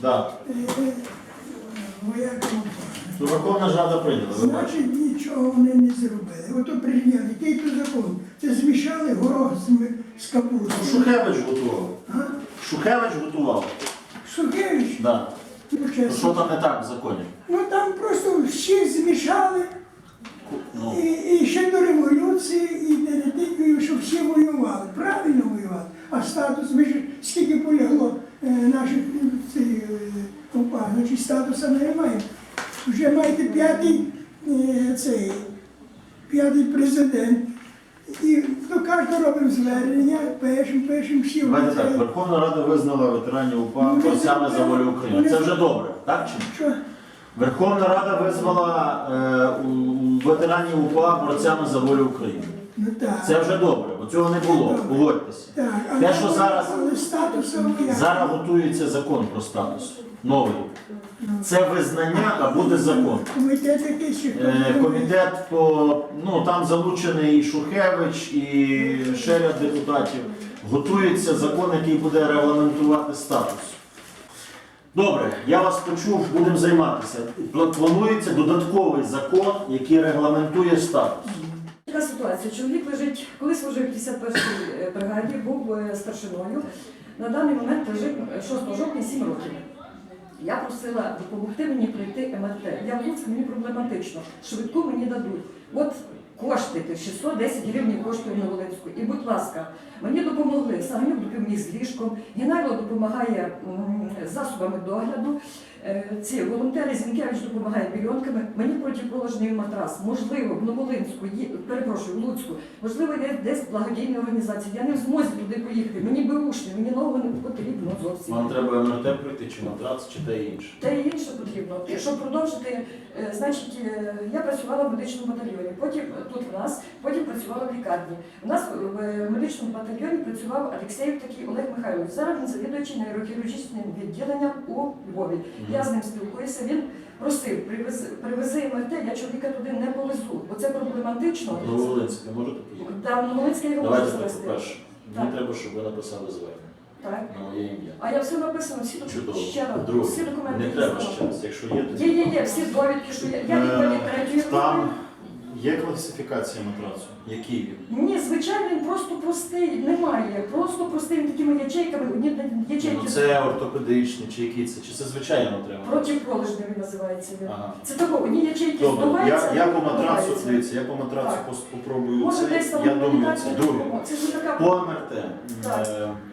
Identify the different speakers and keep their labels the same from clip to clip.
Speaker 1: Да.
Speaker 2: Воякам.
Speaker 1: Ну, Верховна ж Рада прийняла, ви бачите.
Speaker 2: Значить, нічого вони не зробили. Ото прийняли, який то закон. Це змішали горох з капустою.
Speaker 1: Шухевич готував.
Speaker 2: А?
Speaker 1: Шухевич готував.
Speaker 2: Шухевич?
Speaker 1: Да.
Speaker 2: Ну,
Speaker 1: Ну,
Speaker 2: чесно.
Speaker 1: що там не так в законі?
Speaker 2: Ну там просто всі змішали.
Speaker 1: Ну,
Speaker 2: І ще до революції, і перед тим, що всі воювали, правильно воювали. А статус, ми ж скільки полягло наших ОПА, значить статусу не маємо. Вже маєте п'ятий президент. І до кожного робимо звернення, пишемо всі.
Speaker 1: давайте так, Верховна Рада визнала ветеранів УПА
Speaker 2: Ну,
Speaker 1: борцями за волю України. Це вже добре, так чи ні?
Speaker 2: Що?
Speaker 1: Верховна Рада визвала ветеранів УПА борцями за волю України.
Speaker 2: Ну так.
Speaker 1: Це вже добре, бо цього не було,
Speaker 2: Добре.
Speaker 1: погодьтеся.
Speaker 2: Так,
Speaker 1: Те, що зараз,
Speaker 2: але статусу ніяк.
Speaker 1: зараз готується закон про статус, новий. Це визнання, а буде закон.
Speaker 2: Комітет якийсь чи хто?
Speaker 1: Комітет там залучений і Шухевич, і ще ряд депутатів. Готується закон, який буде регламентувати статус. Добре, я вас почув, будемо займатися. Планується додатковий закон, який регламентує статус.
Speaker 3: Така ситуація. Чоловік лежить, коли служив в 51-й бригаді, був старшиною. На даний момент лежить 6 жовтня 7 років. Я просила допомогти мені пройти МРТ. Я в Луцьку, мені проблематично. Швидку мені дадуть. От кошти, 610 гривень коштує на Волинську. І, будь ласка, мені допомогли. Саганюк допоміг з ліжком, Геннайло допомагає засобами догляду, ці волонтери Зінкевич допомагає більйонками. Мені протиположний матрас. Можливо, в Новолинську, перепрошую, в Луцьку, можливо, є десь благодійні організації. Я не в змозі туди поїхати. Мені беушні, мені нового не потрібно зовсім.
Speaker 1: Вам треба МРТ пройти, чи матрац, чи те інше?
Speaker 3: Те і інше потрібно. Щоб продовжити, значить, я працювала в медичному батальйоні, потім тут в нас, потім працювала в лікарні. У нас в медичному батальйоні працював Алексєєв такий Олег Михайлович. Зараз він завідуючий нейрохірургічним відділенням у Львові. Я з ним спілкуюся, він просив, привези МРТ, я чоловіка туди не повезу, бо це проблематично.
Speaker 1: Новолинське можете поїхати?
Speaker 3: Так, Новолинське його
Speaker 1: Давайте
Speaker 3: можу
Speaker 1: так,
Speaker 3: завести.
Speaker 1: по-перше, мені треба, щоб ви написали звернення
Speaker 3: Так.
Speaker 1: на моє ім'я.
Speaker 3: А я все написано,
Speaker 1: Чудово.
Speaker 3: ще раз,
Speaker 1: По-друге,
Speaker 3: всі документи.
Speaker 1: не треба
Speaker 3: написала.
Speaker 1: ще раз, якщо є, то
Speaker 3: Є, всі довідки, що я інвалід третьої групи.
Speaker 1: Там є класифікація матрацу? Який він?
Speaker 3: Ні, звичайно, він просто простий, немає. Просто простий, він такими ячейками, одні ячейки.
Speaker 1: Ну, це ортопедичний, чи який це? Чи це звичайно треба?
Speaker 3: Протипролежний він називається. Він.
Speaker 1: Ага.
Speaker 3: Це тако, одні ячейки
Speaker 1: Добре,
Speaker 3: здуваються,
Speaker 1: я
Speaker 3: а
Speaker 1: по матрацу,
Speaker 3: здуваються.
Speaker 1: дивіться, я по матрацу
Speaker 3: Так.
Speaker 1: попробую
Speaker 3: Може,
Speaker 1: це,
Speaker 3: десь там
Speaker 1: я думаю,
Speaker 3: комунікація
Speaker 1: це друге.
Speaker 3: допоможе. Це ж не така...
Speaker 1: По МРТ.
Speaker 3: Так.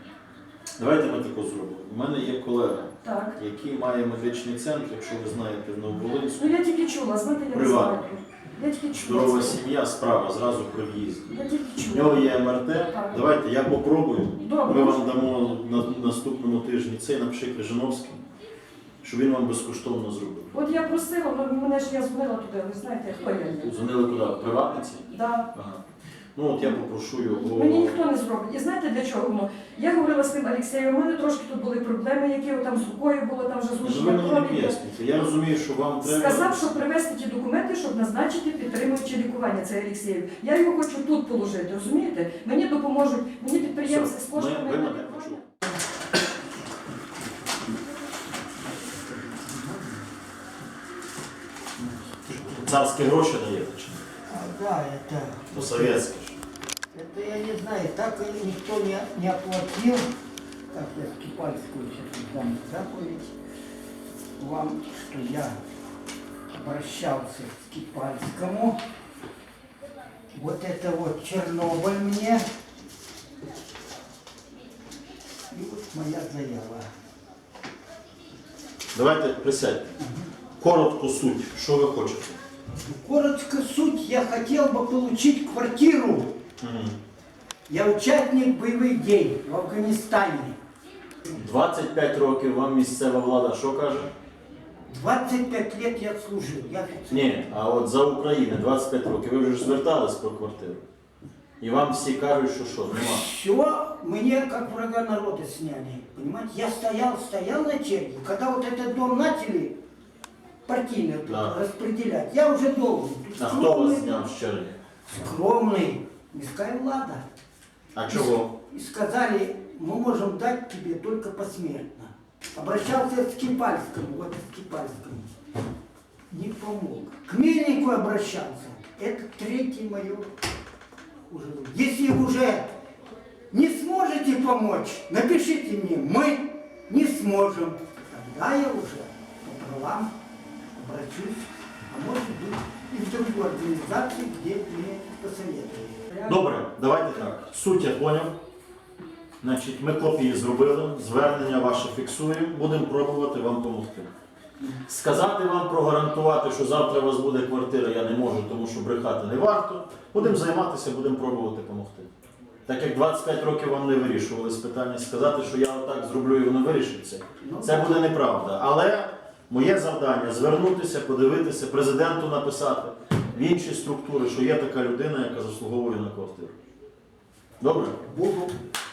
Speaker 1: Давайте ми тако зробимо. У мене є колега,
Speaker 3: Так.
Speaker 1: який має медичний центр, якщо ви знаєте, в Нововолинську.
Speaker 3: Ну я тільки чула, знаєте, я не
Speaker 1: Приватно.
Speaker 3: знаю. Я тільки чула.
Speaker 1: Здорова
Speaker 3: це.
Speaker 1: сім'я, справа, зразу при в'їзді.
Speaker 3: Я тільки
Speaker 1: У
Speaker 3: чула.
Speaker 1: нього є МРТ. Давайте я попробую.
Speaker 3: Добре.
Speaker 1: Ми вам дамо на наступному тижні цей, напиши Крижановський, щоб він вам безкоштовно зробив.
Speaker 3: От я просила, ну мене ж я дзвонила туди, ви знаєте, хто я є.
Speaker 1: Дзвонили куди? В приватниці?
Speaker 3: Да.
Speaker 1: Ага. Ну от я попрошу його.
Speaker 3: Мені ніхто не зробить. І знаєте для чого воно? Я говорила з тим Алексеєм, у мене трошки тут були проблеми, які там з рукою було, там вже
Speaker 1: Ну, ви
Speaker 3: зрушення
Speaker 1: мені не
Speaker 3: крові.
Speaker 1: пояснюєте. Я розумію, що вам треба.
Speaker 3: Сказав, що привезти ті документи, щоб назначити підтримуюче лікування, це Алексеєв. Я його хочу тут положити, розумієте? Мені допоможуть, мені підприємці з коштами.
Speaker 1: Ви мене почули. Царські гроші даєте чи ні?
Speaker 4: Да, это,
Speaker 1: По-совєтськи.
Speaker 4: это я не знаю, так и никто не оплатил. Так, я Скипальскую сейчас дам заповедь вам, что я обращался к Скипальскому. Вот это вот Чернобыль мне. И вот моя заява.
Speaker 1: Давайте присядьте. Коротко суть. Що ви хочете?
Speaker 4: Коротко суть, я хотел бы получить квартиру. Я участник боевых дій в Афганістані.
Speaker 1: 25 років вам місцева влада що каже?
Speaker 4: 25 лет я служил. Я офицер.
Speaker 1: Ні, а от за Україну 25 років. Ви вже ж звертались про квартиру. І вам всі кажуть, що нема.
Speaker 4: Все, мне как врага народа сняли. Понимаете, я стоял на черге. Когда вот этот дом начали партийно
Speaker 1: Да.
Speaker 4: распределять, я уже должен.
Speaker 1: А хто вас зняв з черги?
Speaker 4: Скромный. Мирская влада.
Speaker 1: А чого?
Speaker 4: И сказали, мы можем дать тебе только посмертно. Обращался к Скипальскому, вот к Скипальскому. Не помог. К Мельнику обращался. Это третий мое уже. Если уже не сможете помочь, напишите мне, мы не сможем. Тогда я уже по правам обращусь, а может быть и в другую организацию, где мне посоветуют.
Speaker 1: Добре, давайте так. Суть я поняв. Значить, ми копії зробили, звернення ваше фіксуємо, будемо пробувати вам допомогти. Сказати вам, прогарантувати, що завтра у вас буде квартира, я не можу, тому що брехати не варто. Будемо займатися, будемо пробувати допомогти. Так як 25 років вам не вирішували з питання, сказати, що я отак зроблю і воно вирішиться, це буде неправда. Але моє завдання звернутися, подивитися, президенту написати в інші структури, що є така людина, яка заслуговує на квартиру. Добре?
Speaker 4: Буду.